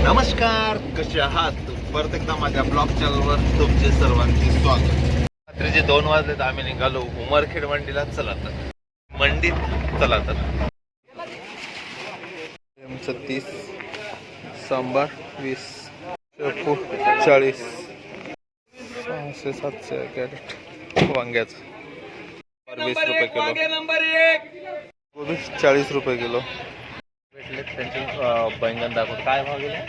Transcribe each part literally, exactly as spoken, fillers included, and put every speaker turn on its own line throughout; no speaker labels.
नमस्कार, कसे आहात? परत एकदा माझ्या ब्लॉग चॅनलवर तुमचे सर्वांचे स्वागत. रात्रीचे दोन वाजलेत, आम्ही निघालो उमरखेड मंडीला. चला तर मंडीत चला तर तीस, सांबार वीस, शेपू चाळीस, सहाशे सातशे कॅरेट वांग्याचं वीस रुपये किलो, गोबी चाळीस रुपये किलो भेटले. त्यांचे बैंगन दाखवत काय भाव गेले?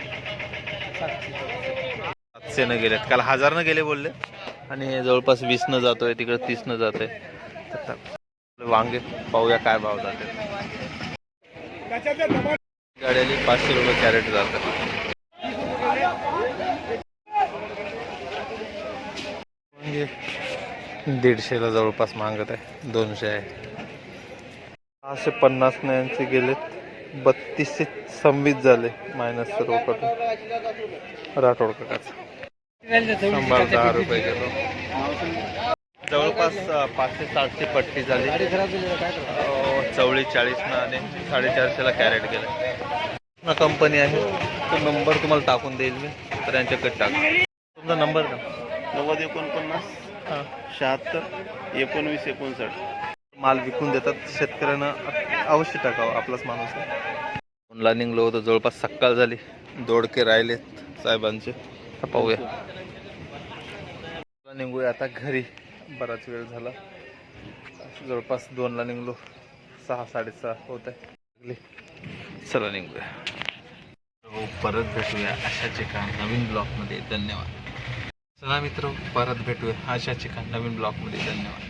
सातशे न गेलेत, काल हजार न गेले बोलले, आणि जवळपास वीस न जातोय, तिकडे तीस न जातोय. वांगे पाहूया काय भाव जाते. गाड्याली पाचशे रुपये कॅरेट जातात. वांगे दीडशेला जवळपास मागत आहे, दोनशे आहे. सहाशे पन्नास न यांचे गेलेत, बत्तीसशे सव्वीस झाले मायनस सर्व करून. राठोड काकाचं शंभर दहा रुपये किलो. जवळपास पाचशे साठची पट्टी झाली. चवळी चाळीस न आणि साडेचारशेला कॅरेट गेलं. ना कंपनी आहे, तो नंबर तुम्हाला टाकून देईल मी, तर यांच्याकडे टाका. तुमचा नंबर का?
नव्वद एकोणपन्नास
हां
शहात्तर एकोणवीस एकोणसाठ.
माल विकून देतात शेतकऱ्यांना, अवश्य टाकावं, आपलाच माणूस आहे. फोनला निघलो होतं, जवळपास सकाळ झाली, दोडके राहिलेत साहेबांचे. पाहूया, निघूया आता घरी, बराच वेळ झाला. जवळपास दोनला निघलो, सहा साडेसहा होत आहे. चला निघूया, हो परत भेटूया अशाच एका नवीन ब्लॉगमध्ये. धन्यवाद. चला मित्र, परत भेटूया अशाच एका नवीन ब्लॉगमध्ये. धन्यवाद.